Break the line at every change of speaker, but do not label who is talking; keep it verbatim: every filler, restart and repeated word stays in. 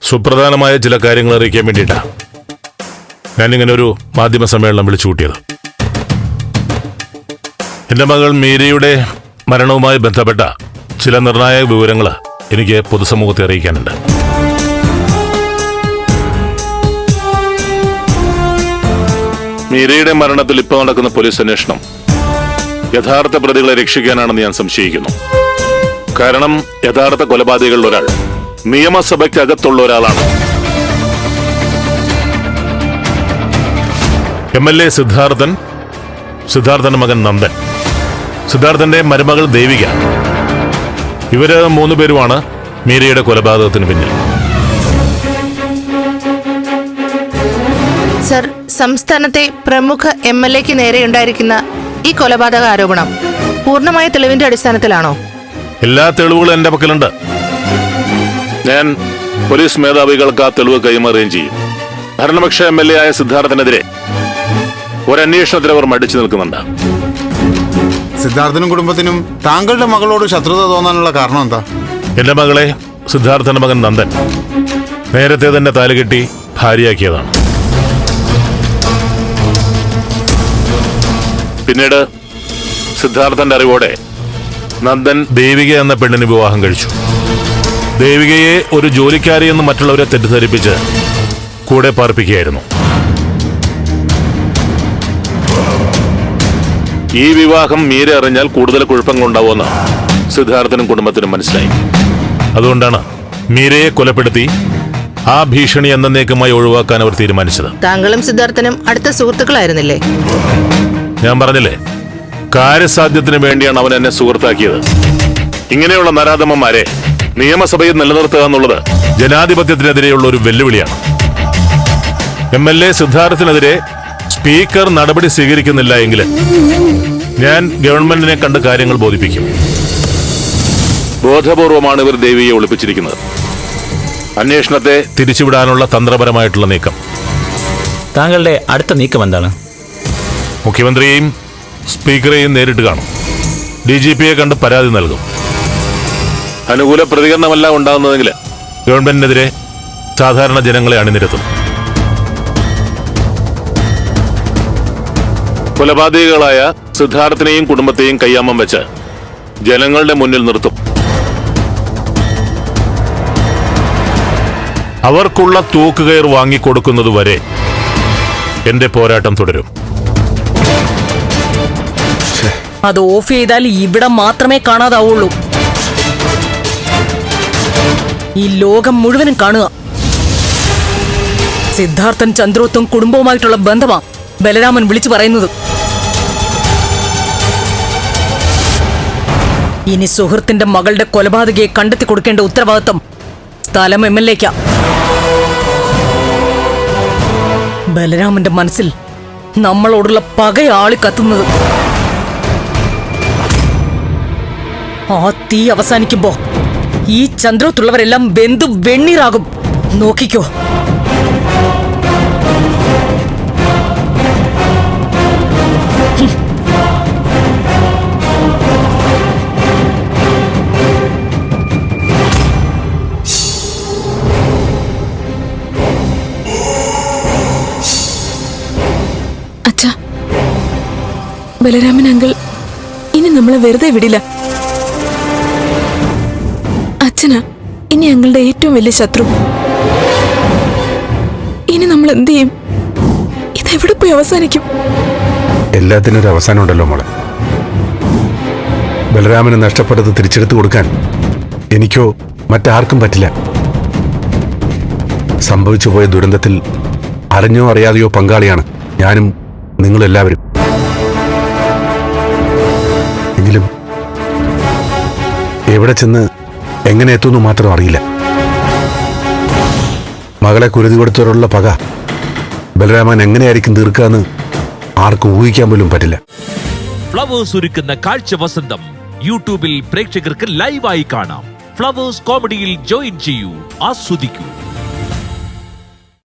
സുപ്രധാനമായ ചില കാര്യങ്ങൾ അറിയിക്കാൻ വേണ്ടിയിട്ടാണ് ഞാനിങ്ങനെ ഒരു മാധ്യമ സമ്മേളനം വിളിച്ചു കൂട്ടിയത്. എൻ്റെ മകൾ മീരയുടെ മരണവുമായി ബന്ധപ്പെട്ട ചില നിർണായക വിവരങ്ങൾ എനിക്ക് പൊതുസമൂഹത്തെ അറിയിക്കാനുണ്ട്. മീരയുടെ മരണത്തിൽ ഇപ്പോൾ നടക്കുന്ന പോലീസ് അന്വേഷണം യഥാർത്ഥ പ്രതികളെ രക്ഷിക്കാനാണെന്ന് ഞാൻ സംശയിക്കുന്നു. കാരണം യഥാർത്ഥ കൊലപാതകളിൽ ഒരാൾ നിയമസഭയ്ക്കകത്തുള്ള ഒരാളാണ്. എം എൽ എ സിദ്ധാർത്ഥൻ, സിദ്ധാർത്ഥന്റെ മകൻ നന്ദൻ, സിദ്ധാർത്ഥന്റെ മരുമകൾ ദേവിക, ഇവര് മൂന്നുപേരുമാണ് മീരയുടെ കൊലപാതകത്തിന് പിന്നിൽ.
സർ, സംസ്ഥാനത്തെ പ്രമുഖ എം എൽ എക്ക് നേരെയുണ്ടായിരിക്കുന്ന ഈ കൊലപാതക ആരോപണം പൂർണ്ണമായ തെളിവിന്റെ അടിസ്ഥാനത്തിലാണോ?
എല്ലാ തെളിവുകളും എന്റെ പക്കലുണ്ട്. ഞാൻ പോലീസ് മേധാവികൾക്ക് ആ തെളിവ് കൈമാറുകയും ചെയ്യും. ഭരണപക്ഷ എം എൽ എ ആയ സിദ്ധാർത്ഥനെതിരെ ഒരന്വേഷണത്തിൽ അവർ മടിച്ചു നിൽക്കുന്നുണ്ട്.
സിദ്ധാർത്ഥനും കുടുംബത്തിനും താങ്കളുടെ മകളോട് ശത്രുത തോന്നാനുള്ള കാരണം എന്താ?
എന്റെ മകളെ സിദ്ധാർത്ഥന്റെ മകൻ നന്ദൻ നേരത്തെ തന്നെ താലുകെട്ടി ഭാര്യയാക്കിയതാണ്. പിന്നീട് സിദ്ധാർത്ഥന്റെ അറിവോടെ നന്ദൻ ദേവിക എന്ന പെണ്ണിന് വിവാഹം കഴിച്ചു. ദേവികയെ ഒരു ജോലിക്കാരി എന്ന് മറ്റുള്ളവരെ തെറ്റിദ്ധരിപ്പിച്ച് കൂടെ പാർപ്പിക്കുകയായിരുന്നു. ഈ വിവാഹം മീര അറിഞ്ഞാൽ കൂടുതൽ കുഴപ്പങ്ങളുണ്ടാവുമെന്ന് സിദ്ധാർത്ഥനും കുടുംബത്തിനും മനസ്സിലായി. അതുകൊണ്ടാണ് മീരയെ കൊലപ്പെടുത്തി ആ ഭീഷണി എന്നേക്കുമായി ഒഴിവാക്കാൻ അവർ തീരുമാനിച്ചത്.
താങ്കളും സിദ്ധാർത്ഥനും അടുത്ത സുഹൃത്തുക്കളായിരുന്നില്ലേ?
ഞാൻ പറഞ്ഞില്ലേ, കാര്യസാധ്യത്തിന് വേണ്ടിയാണ് അവൻ എന്നെ സുഹൃത്താക്കിയത്. ഇങ്ങനെയുള്ള നരാധമന്മാരെ നിയമസഭയിൽ നിലനിർത്തുക എന്നുള്ളത് ജനാധിപത്യത്തിനെതിരെയുള്ള ഒരു വെല്ലുവിളിയാണ്. എം എൽ എ സിദ്ധാർത്ഥിനെതിരെ സ്പീക്കർ നടപടി സ്വീകരിക്കുന്നില്ല എങ്കിൽ ഞാൻ ഗവൺമെന്റിനെ കണ്ട് കാര്യങ്ങൾ ബോധിപ്പിക്കും. ബോധപൂർവമാണ് ഇവർ ദേവിയെ ഒളിപ്പിച്ചിരിക്കുന്നത്. അന്വേഷണത്തെ തിരിച്ചുവിടാനുള്ള തന്ത്രപരമായിട്ടുള്ള നീക്കം.
താങ്കളുടെ അടുത്ത നീക്കം എന്താണ്?
മുഖ്യമന്ത്രിയെയും സ്പീക്കറെയും നേരിട്ട് കാണും. ഡി ജി പിയെ കണ്ട് പരാതി നൽകും. അനുകൂല പ്രതികരണമല്ല ഉണ്ടാകുന്നതെങ്കിൽ ഗവൺമെന്റിനെതിരെ സാധാരണ ജനങ്ങളെ അണിനിരത്തും. കൊലപാതകികളായ സിദ്ധാർത്ഥിനെയും കുടുംബത്തെയും കയ്യാമം വെച്ച് ജനങ്ങളുടെ മുന്നിൽ നിർത്തും. അവർക്കുള്ള തൂക്കുകയർ വാങ്ങിക്കൊടുക്കുന്നതുവരെ എന്റെ പോരാട്ടം തുടരും.
അത് ഓഫ് ചെയ്താൽ ഇവിടെ മാത്രമേ കാണാതാവുള്ളൂ. ഈ ലോകം മുഴുവനും കാണുക. സിദ്ധാർത്ഥൻ ചന്ദ്രോത്തും കുടുംബവുമായിട്ടുള്ള ബന്ധമാ ബലരാമൻ വിളിച്ചു പറയുന്നത്. ഇനി സുഹൃത്തിന്റെ മകളുടെ കൊലപാതകയെ കണ്ടെത്തി കൊടുക്കേണ്ട ഉത്തരവാദിത്വം സ്ഥലം എം എൽ എക്കാ. ബലരാമന്റെ മനസ്സിൽ നമ്മളോടുള്ള പകയാളി കത്തുന്നത്. ആ തീ അവസാനിക്കുമ്പോ ഈ ചന്ദ്രോത്തുള്ളവരെല്ലാം വെന്തു വെണ്ണീറാകും. നോക്കിക്കോ.
അച്ഛാ, ബലരാമൻ അങ്കിൾ ഇനി നമ്മളെ വെറുതെ വിടില്ല. അച്ഛനാ ഇനി ഞങ്ങളുടെ ഏറ്റവും വലിയ ശത്രു. ഇനി നമ്മൾ എന്ത് ചെയ്യും? ഇതെവിടെ പോയി അവസാനിക്കും?
എല്ലാത്തിനും ഒരു അവസാനം ഉണ്ടല്ലോ മോളെ. ബലരാമന് നഷ്ടപ്പെട്ടത് തിരിച്ചെടുത്തു കൊടുക്കാൻ എനിക്കോ മറ്റാർക്കും പറ്റില്ല. സംഭവിച്ചു പോയ ദുരന്തത്തിൽ അറിഞ്ഞോ അറിയാതെയോ പങ്കാളിയാണ് ഞാനും നിങ്ങളെല്ലാവരും. എങ്കിലും എവിടെ ചെന്ന് എങ്ങനെ എത്തുന്നു മാത്രം അറിയില്ല. മകളെ കുരുതി കൊടുത്തവരുള്ള പക ബലരാമൻ എങ്ങനെയായിരിക്കും തീർക്കാന്ന് ആർക്കും ഊഹിക്കാൻ പോലും പറ്റില്ല.
ഫ്ലവേഴ്സ് ഒരുക്കുന്ന കാഴ്ച വസന്തം യൂട്യൂബിൽ പ്രേക്ഷകർക്ക് ലൈവായി കാണാം. ഫ്ലവേഴ്സ് കോമഡിയിൽ ജോയിൻ ചെയ്യൂ, ആസ്വദിക്കൂ.